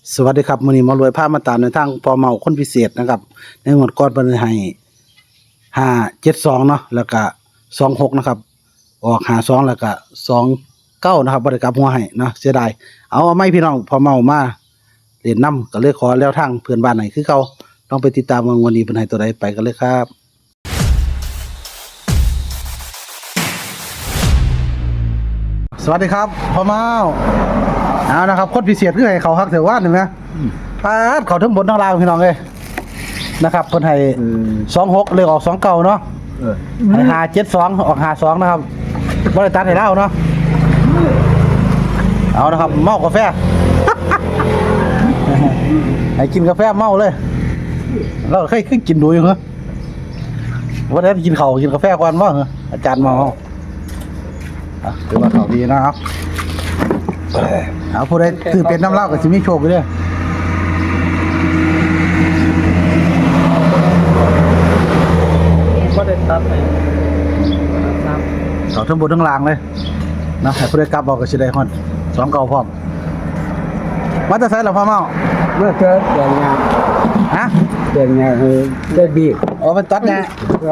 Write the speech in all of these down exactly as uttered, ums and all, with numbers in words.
สวัสดีครับมื้อนี้หมารวยพามาตามในทางพอเมาคนพิเศษนะครับในงวดก่อนเพิ่นให้ห้าเจ็ดสองเนาะแล้วก็สองหกนะครับออกห้าสองแล้วก็สองเก้านะครับบ่ได้กลับหัวให้เนาะเสียดายเอาเอาไม่พี่น้องพอเมามาเล่นนำก็เลยขอแล้วทางเพื่อนบ้านให้คือเก่าต้องไปติดตามว่างวดนี้เพิ่นให้ตัวใดไปกันเลยครับสวัสดีครับพ่อเมาเอานะครับคนพิเศษคือให้เขาฮักเถวานเห็นไหมปาดเขาทั้งบนทั้งล่างพี่น้องเลยนะครับเพิ่นให้สองหกเลยออกสองเก้าเนาะให้หาเจ็ดสองออกหาสองนะครับบริษัทให้เล่าเนาะเอานะครับเมากาแฟ ให้กินกาแฟเมาเลยเราเคยขึ้นกินดูอยู่เหรอวันนี้กินเขากินกาแฟก่อนว่าเหรออาจารย์เมาถือว่าเขาดีนะครับเอาผู้ใดถือเป็นน้ำเหล้ากับจิมีโชคไปด้วยก็ได้ตัดไปเขาทั้งบนทั้งล่างเลยนะให้ผู้ใดกลับบอกกับชิได้ฮอนสองเก่าพร้อมมาจะใส่หรอพ่อเมาเมื่อเจอเดือนงานฮะเดือนงานคือได้บีบอ๋อเป็นตัดไง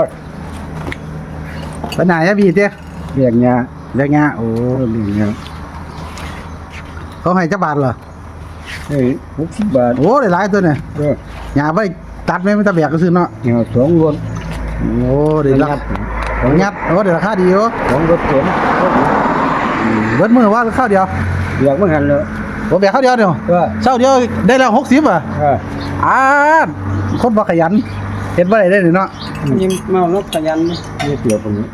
เป็นไหนอะบีเจ้เดือนงานเรียกงาโอ้เดือนงานเขาให้เจ้าบาทเหรอเฮ้ยหกสิบบาทโอ้ได้หลายตัวเนี่ยหยาไปตัดไม่ไม่ตะแบกก็ซื้อเนาะเงาสองรถโอ้เดี๋ยวงัดงัดโอ้เดี๋ยวราคาดีโอ้สองรถเก๋งเบิดมือว่าข้าวเดียวเบียกไม่หันเลยผมแบกข้าวเดียวเดียวเช้าเดียวได้แล้วหกสิบอ่ะอ่าคนบ่ขยันเห็นว่าอะไรได้หรือเนาะยิ้มเมารถขยันนี่เกี่ยวตรงนี้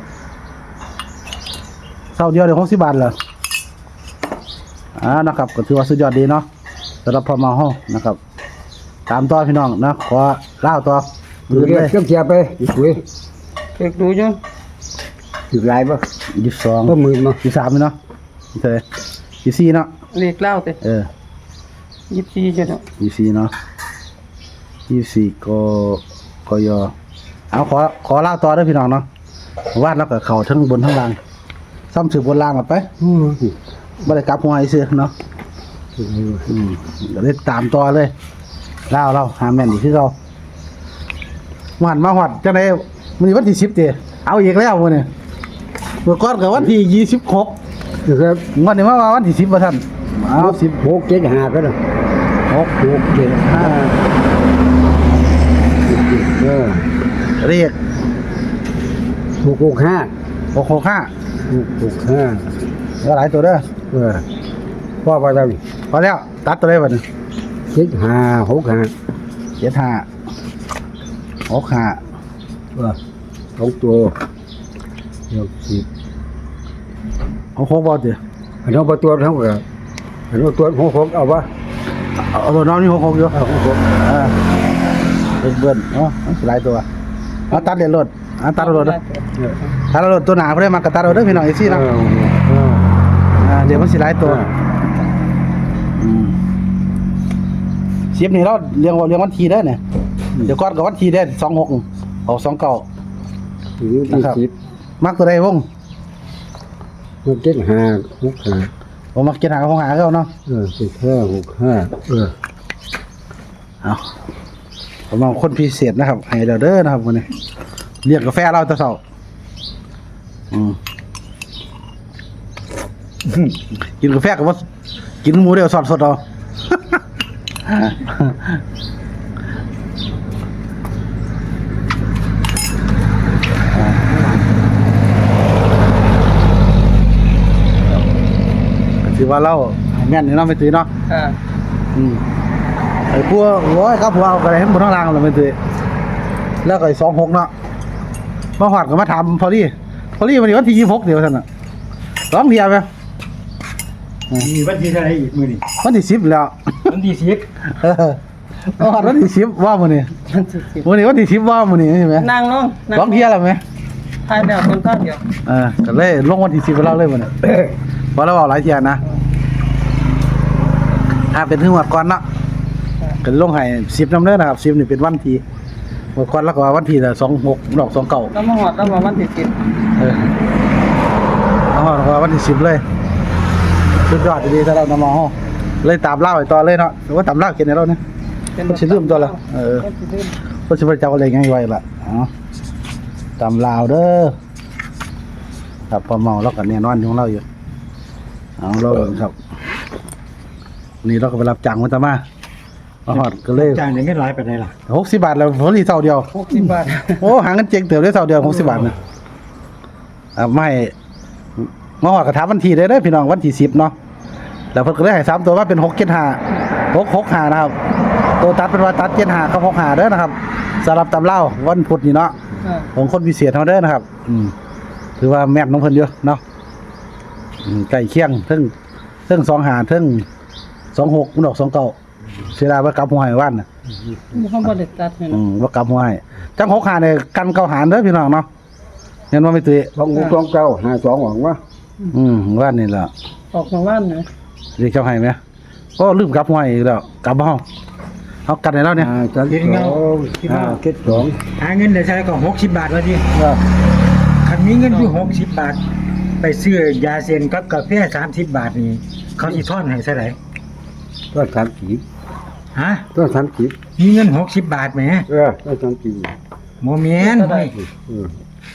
เช้าเดียวเดี๋ยวหกสิบบาทเหรออ่านะครับก็ถือว่าสุดยอดดีเนาะสำหรับพอมาห้องนะครับตามต่อพี่น้องนะขอเล่าต่อดูเลยเครื่องเสียไปดูเลยเช็คดูจังถือลายป่ะยี่สิบสองก็มือมายี่สามเนาะเท่าไหร่ยี่สี่เนาะเลขเล่าเต้เออยี่สี่จ้ะเนาะยี่สี่เนาะยี่สี่ก็ก็ยอเอาขอขอเล่าต่อด้วยพี่น้องเนาะวาดแล้วก็เข่าทั้งบนทั้งล่างซ้ำสืบบนล่างไปบ่ได้กลับหัวไอ้เสือเนาะอืมเดี๋ยวได้ตามต่อเลยเล่าเล่าหาแม่นอีกคือเราหวานมาหวัดจังไดมื้อนี้วันที่สิบเด้เอาอีกแล้วมื้อนี้เมื่อก่อนก็วันที่ยี่สิบหกครับวันนี้มาวันที่สิบบ่ทันเอาสิบหกเจ็ดห้าก็ได้หกหกเจ็ดห้าเออเรียกหกหกห้าหกหกห้าหกหกห้าแล้วหลายตัวเด้อเออพ่อไปแล้วพอแล้วตัดตัวได้บัดนี้เจ็ดห้าหกห้าเจ็ดห้าหกห้าเออสองตัวเดี๋ยวสิบหกหกบ่ติอันนั้นตัวทั้งหมดอันนั้นตัวหกหกเอาปะเอาตัวน้องนี่หกหกอยู่หกหกอ่าเบิ้ลเบิ้ลเนาะหลายตัวเอาตัดเดี๋ยวรถเอาตัดรถด้วยตัดรถตัวหนาเพื่อมากระตัดรถด้วยพี่น้องไอ้ซี่นะอ่าเดี๋ยวมันสิหลายตัวเสียบนี่เราเรียงเรียงวันทีได้เนี่ยเดี๋ยวก้อนกับวันทีได้สองหกออกสองเก้านะครับมักตัวใดวงมักเจ็ดห้าหกห้าผมมักเจ็ดห้าหกห้าเขาเนาะเออเจ็ดห้าหกห้าเออเอาผมเอาคนพิเศษนะครับให้เด้อเด้อนะครับวันนี้เรียกกาแฟเราตะเสาอืมกินกาแฟกับว่ากินหมูเดียวสดสดเอาถือว่าเราแม่นนี่เนาะไม่ตื่นเนาะอ่าอืมไอ้พวกโอ้ยครับพวกเอาอะไรให้บนท้องล่างเราไม่ตื่นแล้วก็ไอ้สองหกเนาะมาหอดก็มาถามพอลี่พอลี่วันนี้วันที่ยี่สิบหกเดี๋ยวท่านน่ะร้องเดียวไหมมีวันที่เท่าไหร่อีกมื้อนี้วันที่สิบแล้ววันที่สิบเออมาหอดวันที่สิบว่ามื้อนี้วันนี้วันที่สิบว่ามื้อนี้ใช่ไหมนั่งลงร้องเที่ยวแล้วไหมทายแบบคนข้าวเดียวเออก็เลยลงวันที่สิบไปเล่าเลยมื้อนี้เพราะเราเอาหลายเที่ยนะถ้าเป็นถึงวัดก่อนเนาะก็ลงให้สิบน้ำเด้อนะครับสิบนี่เป็นวันที่วัดก่อนแล้วก็วันที่ละสองหกดอกสองเก้าแล้วมาหอดแล้วมาวันที่สิบเออมาหอดก็วันที่สิบเลยสุดยอดดีๆถ้าเรานำมาห้องเลยตามเล่าไอ้ต่อเลยเนาะหรือว่าตามเล่าเขียนในเราเนี่ยก็สิลืมตัวละเออ ก็สิบ่เจ้าอะไรง่ายไว้ล่ะอ๋อตามลาวเด้อครับพอเมาแล้วก็แน่นอนของเราอยู่เอาเราเบิ่งครับนี่เราก็ไปรับจ้างมาตะมามาฮอดก็เลยจ้างได้เงินหลายปานใดล่ะหกสิบบาทแล้วผมสิเท่าเดียวหกสิบบาทโอ้หาเงินเจ๊งเติบได้เท่าเดียวหกสิบบาทนะอ่าไม่มาฮอดก็ถามวันที่ได้เด้อพี่น้องวันที่สิบเนาะแล้วเพิ่นก็เลยให้สามตัวว่าเป็นหกเจ็ดห้า หกหกห้านะครับตัวตัดเป็นว่าตัดเจ็ดห้ากับหกห้าเด้อนะครับสำหรับตำเล่าวันพุธนี่เนาะอ่าของคนพิเศษเฮาเด้อนะครับ อืมถือว่าแม่นน้องเพิ่นเยอะเนาะอืมใกล้เคียงเทั้งเทั้งสองหาเทั้งสองหกมันออกสองเก้าเสียดายว่ากลับหัวให้ว่านน่ะบ่เขาบ่ได้ตัดให้อืเนาะมว่ากลับหัวให้จังหกหาเนี่ยกันเก้าหารเด้อพี่น้องเนาะเห็นว่าไม่ตื้อสองหกสองเก้าห้าสองหวังว่าอืมว่านนี่ล่ะออกมาว่านนะเรียกเจ้าให้มั้ยโอ้ลืมกลับหัวให้อีกแล้วกลับบ่เฮาเฮากันให้แล้วเนี่ยอ่าจันสองห้าเจ็ดสองหาเงินได้ใช้ก็หกสิบบาทว่าดิเออคันมีเงินอยู่หกสิบบาท ไปซื้อยาเซนกับกาแฟสามสิบบาทนี่เขาสิทอนให้เท่าไหร่ต้นสามขีดฮะต้นสามขีดมีเงินหกสิบบาทแหมเออต้นสามขีดบ่แม่นเฮ้ยเออ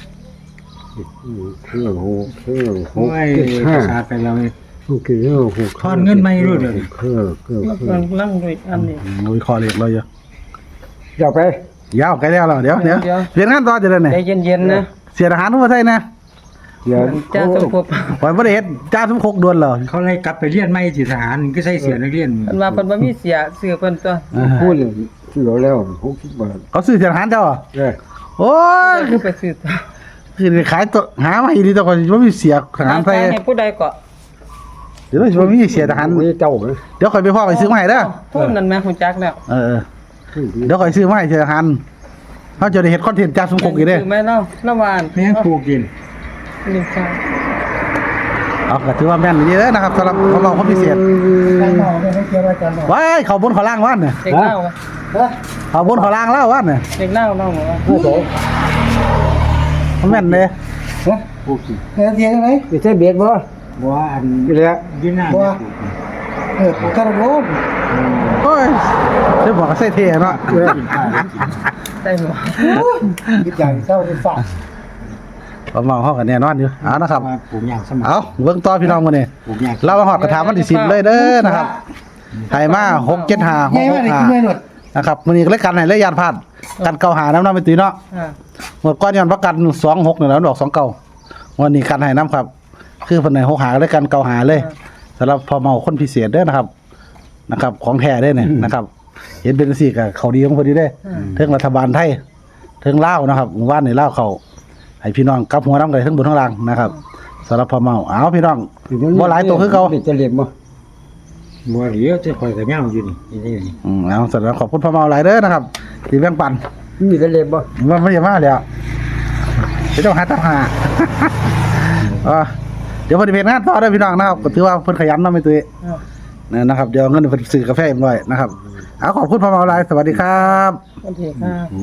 เครื่องหกเครื่องหโอ้กยเจ็ดห้าขาดไปแล้วเว้ยเครื่องหกทอนเงินไม่รู้เดี๋ยวนี้เครื่องเครื่องเครื่องลังด้วยอันนี้โอ้ยคอเล็กเลยเยอะเดี๋ยวไปยาวไกลแล้วเหรอเดี๋ยวเดี๋ยวเดี๋ยวเปลี่ยนงานต่อจะได้เนี่ยใจเย็นๆนะเสียทหารมาใช่นะเดี๋ยวจ้าสมภพปล่อยประเด็จ้าสมคกดวนเหรอเขาเลยกลับไปเรียนใหม่ที่ทหารก็ใส่เสื้อนักเรียนเพิ่นว่าเพิ่นบ่มีเสียเสือเพิ่นตัวพูดเลยที่เราแล้วหกสิบบาทเขาซื้อเสียทหารเจ้าเหรอเออโอ้ยคือไปซื้อตัวคือขายตัวหามาอีกทีตัวก่อนว่ามีเสียทหารใส่ให้ผู้ใดก็เดี๋ยวว่ามีเสียทหารนี่เจ้าไหมเดี๋ยวคอยไปพ่อไปซื้อมาให้เด้อทุนนั่นแม่ฮู้จักแล้วเออเออเดี๋ยวคอยซื้อมาให้เสียทหารเขาจะได้เห็นคอนเทนต์จ้าสมคกอีกเด้อซื้อแม่เนาะละวานแม่งปลูกกินนี่ค่ะเอาก็ถือว่าแม่นดีเด้อนะครับสำหรับของเราคนพิเศษว้ายเขาบนเขาล่างว่านเนี่ยเด็กเล่าเขาบนเขาล่างเล่าว่านเนี่ยเด็กเล่าเล่าว่าโอ้โหมันแม่นเลยปลูกกินเทียนไหมไม่ใช่เบียดบ่บ่ว่าอันอยู่แล้วอยืนหน้าบ่เนี่ยปลูกกินเออผมกันรู้โอ้ยเดี๋ยวบอกก็ใส่เท่เนาะเออได้บ่คิดใหญ่เศร้าที่ฝากประมาณห้องกันแน่นอนอยู่เอานะครับว่าปลูกอย่างสมัครเอาเบิ่งต่อพี่น้องกันนี่ปลูกอย่างเรามาหอดกระถามวันที่สิบเลยเด้อนะครับไทยมาหกเจ็ดหาหกหกหานะครับมันนี้ก็เลยกันให้เลยยานพลาดกันเก่าหาน้ำน้ำไปตีเนาะอ่าหมดก้อนย้อนประกันสองหกเนี่ยแล้วดอกสองเก่าวันนี้กันให้น้ำครับ คือคนไหนหกหาเลยกันเก่าหาเลยสำหรับพอเมาคนพิเศษเด้อนะครับ นะครับ ของแท้ได้เนี่ยนะครับ เห็นเป็นสี่กับเขาดีของพอดีได้เทิงรัฐบาลไทยเทิงเล่าวนะครับหมู่บ้านในเล่าวเขาให้พี่น้องกลับหัวน้ำกันทั้งบนทั้งล่างนะครับสำหรับพอเมาเอาพี่น้องบ่หลายตัวคือเขาจะเรียบบ่บัวเหลียวจะคอยกับย่างอยู่นี่นี่นี่อืมเอาสำหรับขอบคุณพอเมาหลายเด้อนะครับที่แบ่งปันมีจะเรียบบ่มันไม่ใช่มาแล้วเดี๋ยวต้องหาตั้งหา อ่าเดี๋ยวเพอดีเพจงานต่อได้อพี่น้องนะครับก็ถือว่าเพิ่นขยันเนาะไม่ตุ้ยอ่าเนี่ยนะครับเดี๋ยวเงินเพิ่นซื้อกาแฟเอ็มร้อยนะครับเอาขอบคุณพอเมาหลายสวัสดีครับโอเคค่ะ